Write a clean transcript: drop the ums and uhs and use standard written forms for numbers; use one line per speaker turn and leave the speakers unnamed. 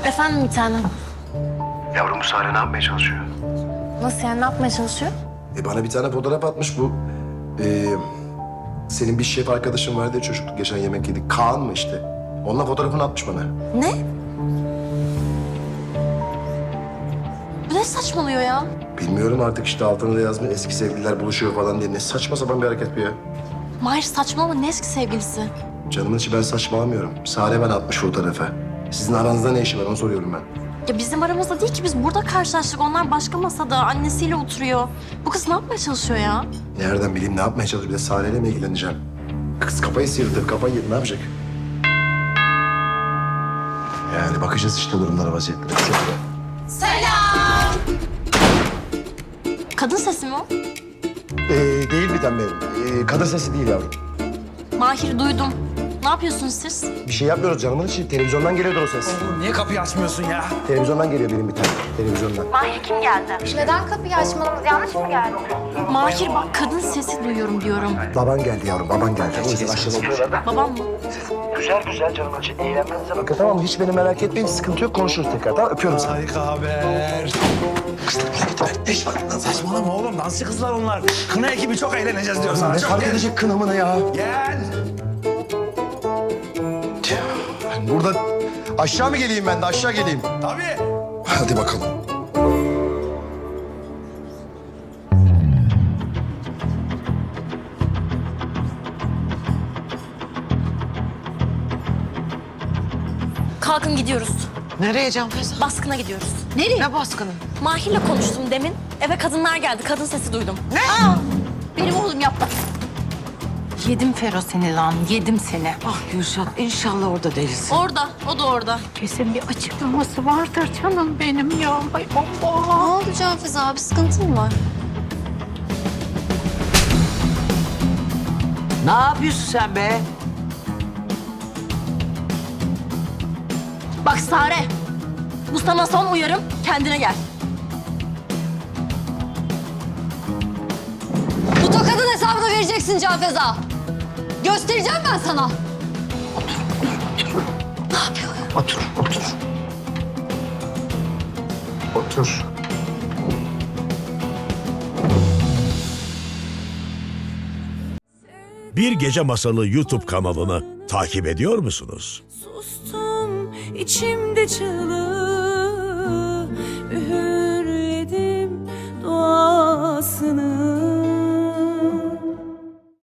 Efendim bir tanem.
Yavrum bu Sare ne yapmaya çalışıyor?
Nasıl yani, ne yapmaya çalışıyor?
Bana bir tane fotoğraf atmış bu. Senin bir şef arkadaşın vardı ya çocukluk geçen yemek yedik. Kaan mı işte? Onunla fotoğrafını atmış bana.
Ne? Bu ne saçmalıyor ya?
Bilmiyorum artık işte altına da yazmış eski sevgililer buluşuyor falan diye. Ne saçma sapan bir hareket bu ya.
Mahir saçmalama, ne eski sevgilisi?
Canımın içi ben saçmalamıyorum. Sare ben atmış fotoğrafı. Sizin aranızda ne işi var onu soruyorum ben.
Ya bizim aramızda değil ki, biz burada karşılaştık. Onlar başka masada, annesiyle oturuyor. Bu kız ne yapmaya çalışıyor ya?
Nereden bileyim ne yapmaya çalışıyor? Bir de Sare'yle mi ilgileneceğim? Kız kafayı sıyırdı, kafayı yedi. Ne yapacak? Yani bakacağız işte durumlara, vaziyetlere.
Selam! Kadın sesi mi o?
Değil bir tane benim. Kadın sesi değil yavrum.
Mahir duydum. Ne yapıyorsunuz siz?
Bir şey yapmıyoruz canımın içi. Televizyondan geliyordur o ses.
Oğlum niye kapıyı açmıyorsun ya?
Televizyondan geliyor benim bir tane. Televizyondan.
Mahir kim geldi?
Neden kapıyı açmamız yanlış mı geldi?
Mahir bak, kadın sesi duyuyorum diyorum.
Baban geldi yavrum, baban geldi. O yüzden aşağıda oturuyorlar.
Babam mı?
Güzel güzel canım için. Eğlenmenize bakın tamam mı? Hiç beni merak etmeyin. Sıkıntı yok. Konuşuruz tekrar. Tamam öpüyorum seni.
Harika haber. Ne iş var? Saçmalama oğlum. Dansçı kızlar onlar. Kına ekibi çok eğleneceğiz diyor sana.
Ne
Çok
fark
gel.
edecek kınamına ya?
Gel.
Burada aşağı mı geleyim ben de? Aşağı geleyim.
Tabii.
Hadi bakalım.
Kalkın gidiyoruz.
Nereye Canfeza?
Baskına gidiyoruz.
Ne baskını?
Mahir'le konuştum demin. Eve kadınlar geldi. Kadın sesi duydum.
Ne?
Benim oğlum yaptı.
Yedim Fero seni lan, yedim seni.
Ah Gülşat, inşallah orada değilsin.
Orada, o da orada.
Kesin bir açıklaması vardır canım benim ya. Ay Allah.
Ne oldu Canfeza abi, sıkıntın mı var?
Ne yapıyorsun sen be?
Bak Sare, bu sana son uyarım. Kendine gel.
Bu tokadın hesabını vereceksin Canfeza. Göstereceğim ben sana. Ne yapıyor?
Otur, otur. Otur.
Bir Gece Masalı YouTube kanalını takip ediyor musunuz?
Sustum içimde çığlığı, üğürledim duasını.